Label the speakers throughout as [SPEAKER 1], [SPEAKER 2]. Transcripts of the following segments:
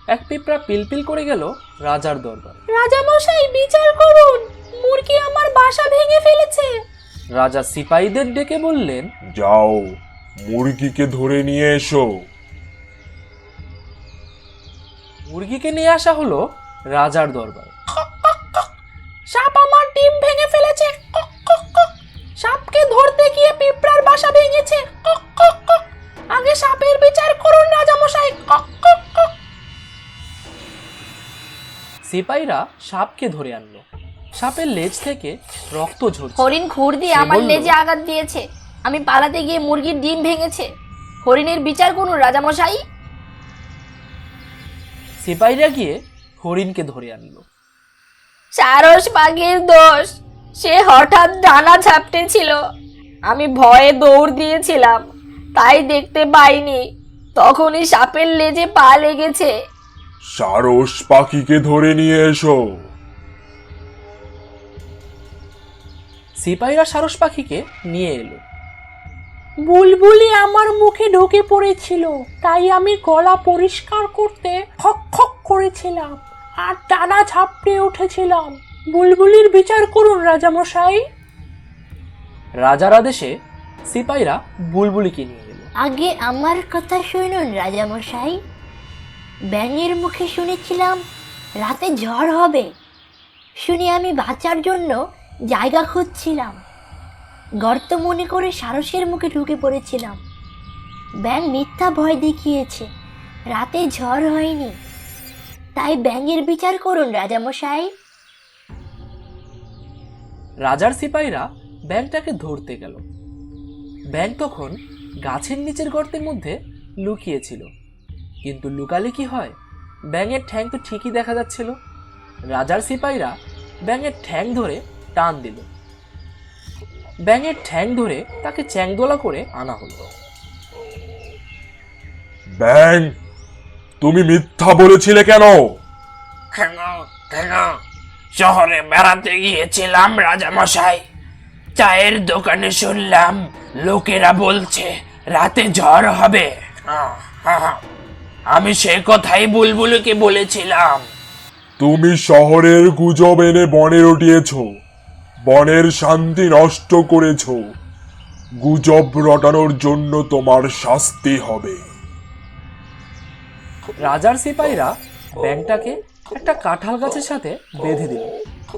[SPEAKER 1] এক পিঁপড়া পিলপিল করে গেল রাজার দরবারে।
[SPEAKER 2] রাজামশাই, বিচার করুন, মুরগি আমার বাসা ভেঙে ফেলেছে।
[SPEAKER 1] রাজা সিপাহীদের ডেকে বললেন,
[SPEAKER 3] যাও, মুরগিকে ধরে নিয়ে এসো।
[SPEAKER 1] মুরগিকে নিয়ে আসা হলো রাজার দরবারে।
[SPEAKER 2] সাপ আমার ডিম ভেঙে ফেলেছে। সাপকে ধরতে গিয়ে পিঁপড়ার বাসা ভেঙেছে। আগে সাপের বিচার করুন রাজামশাই।
[SPEAKER 1] সিপাহীরা সাপকে ধরে আনলো। সাপের লেজ থেকে রক্ত ঝরছে।
[SPEAKER 4] হরিণ খুর দিয়ে
[SPEAKER 1] সে
[SPEAKER 4] আমার
[SPEAKER 1] বলল,
[SPEAKER 4] লেজে আঘাত দিয়েছে। আমি পালাতে গিয়ে মুরগির ডিম ভেঙেছে। হরিণের বিচার করুন রাজামশাই।
[SPEAKER 1] সিপাহীরা গিয়ে হরিণকে ধরে আনলো।
[SPEAKER 4] সারস পাখির দোষ, সে হঠাৎ ডানা ঝাপটে ছিল। আমি ভয়ে দৌড় দিয়েছিলাম, তাই দেখতে পাইনি। তখনই সাপের লেজে পা লেগেছে।
[SPEAKER 3] সারস পাখিকে ধরে নিয়ে এসো।
[SPEAKER 1] সিপাহীরা সারস পাখিকে নিয়ে এলো।
[SPEAKER 2] বুলবুলি আমার মুখে ঢুকে পড়েছিল, তাই আমি গলা পরিষ্কার করতে খক খক করেছিলাম আর ডানা ঝাপটে উঠেছিলাম। বুলবুলির বিচার করুন রাজামশাই।
[SPEAKER 1] রাজার আদেশে সিপাহীরা বুলবুলিকে নিয়ে এলো।
[SPEAKER 4] আগে আমার কথা শুনুন রাজামশাই। ব্যাঙের মুখে শুনেছিলাম রাতে ঝড় হবে। শুনে আমি বাঁচার জন্য জায়গা খুঁজছিলাম। গর্ত মনে করে সারসের মুখে ঢুকে পড়েছিলাম। ব্যাঙ মিথ্যা ভয় দেখিয়েছে, রাতে ঝড় হয়নি। তাই ব্যাঙের বিচার করুন রাজামশাই।
[SPEAKER 1] রাজার সিপাহীরা ব্যাঙটাকে ধরতে গেল। ব্যাঙ তখন গাছের নিচের গর্তের মধ্যে লুকিয়েছিল। কিন্তু লুকালে কি হয়, ব্যাঙের ঠ্যাং তো ঠিকই দেখা যাচ্ছিল। রাজার সিপাহীরা ব্যাঙের ঠ্যাং ধরে টান দিল। ব্যাঙের ঠ্যাং ধরে তাকে চ্যাংদোলা করে আনা হলো।
[SPEAKER 3] ব্যাং, তুমি মিথ্যা বলেছিলে কেন?
[SPEAKER 5] কেন শহরে বেড়াতে গিয়েছিলাম রাজামশাই। চায়ের দোকানে শুনলাম লোকেরা বলছে রাতে ঝড় হবে। আমি সে কথাই বুলবুলকে বলেছিলাম।
[SPEAKER 3] তুমি শহরের গুজব এনে বনে রটিয়েছ, বনের শান্তি নষ্ট করেছ। গুজব রটানোর জন্য তোমার শাস্তি হবে।
[SPEAKER 1] রাজার সিপাহীরা ব্যাঙটাকে একটা কাঁঠাল গাছের সাথে বেঁধে দিল।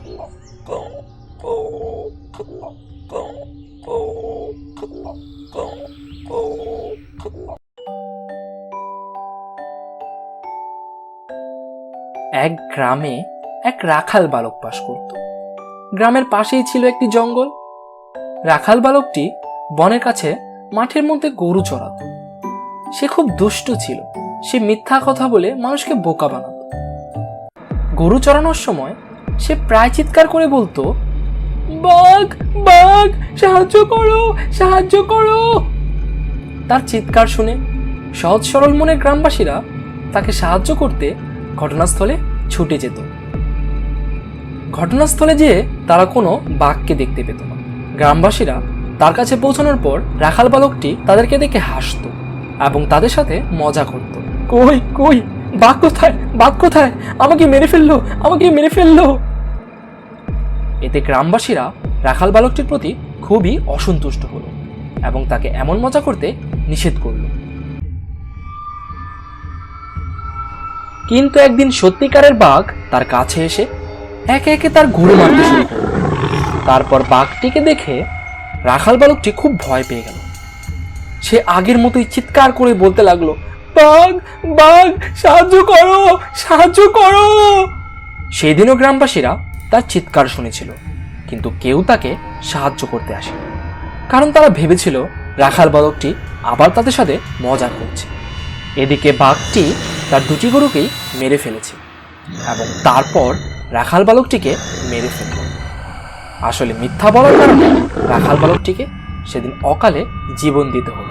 [SPEAKER 1] এক গ্রামে এক রাখাল বালক বাস করত। গ্রামের পাশেই ছিল একটি জঙ্গল। রাখাল বালকটি বনের কাছে মাঠের মধ্যে গরু চড়াতো। সে খুব দুষ্ট ছিল। সে মিথ্যা কথা বলে মানুষকে বোকা বানাতো। গরু চড়ানোর সময় সে প্রায় চিৎকার করে বলতো, বাঘ বাঘ, সাহায্য করো, সাহায্য করো। তার চিৎকার শুনে সহজ সরল মনের গ্রামবাসীরা তাকে সাহায্য করতে ঘটনাস্থলে ছুটে যেত। ঘটনাস্থলে যেয়ে তারা কোনো বাঘকে দেখতে পেত না। গ্রামবাসীরা তার কাছে পৌঁছানোর পর রাখাল বালকটি তাদেরকে দেখে হাসত এবং তাদের সাথে মজা করত। কই কই, বাঘ কোথায়, বাঘ কোথায়, আমাকে মেরে ফেললো, আমাকে মেরে ফেললো। এতে গ্রামবাসীরা রাখাল বালকটির প্রতি খুবই অসন্তুষ্ট হলো এবং তাকে এমন মজা করতে নিষেধ করল। কিন্তু একদিন সত্যিকারের বাঘ তার কাছে এসে একে একে তার গরু মারতে শুরু করল। তারপর বাঘটিকে দেখে রাখাল বালকটি খুব ভয় পেয়ে গেল। সে আগের মতোই চিৎকার করে বলতে লাগলো, বাঘ বাঘ, সাহায্য করো, সাহায্য করো। সেদিনও গ্রামবাসীরা তার চিৎকার শুনেছিল, কিন্তু কেউ তাকে সাহায্য করতে আসেনি, কারণ তারা ভেবেছিল রাখাল বালকটি আবার তাদের সাথে মজা করছে। এদিকে বাঘটি তার দুটি গরুকেই মেরে ফেলেছে এবং তারপর রাখাল বালকটিকে মেরে ফেলল। আসলে মিথ্যা বলার কারণে রাখাল বালকটিকে সেদিন অকালে জীবন দিতে হলো।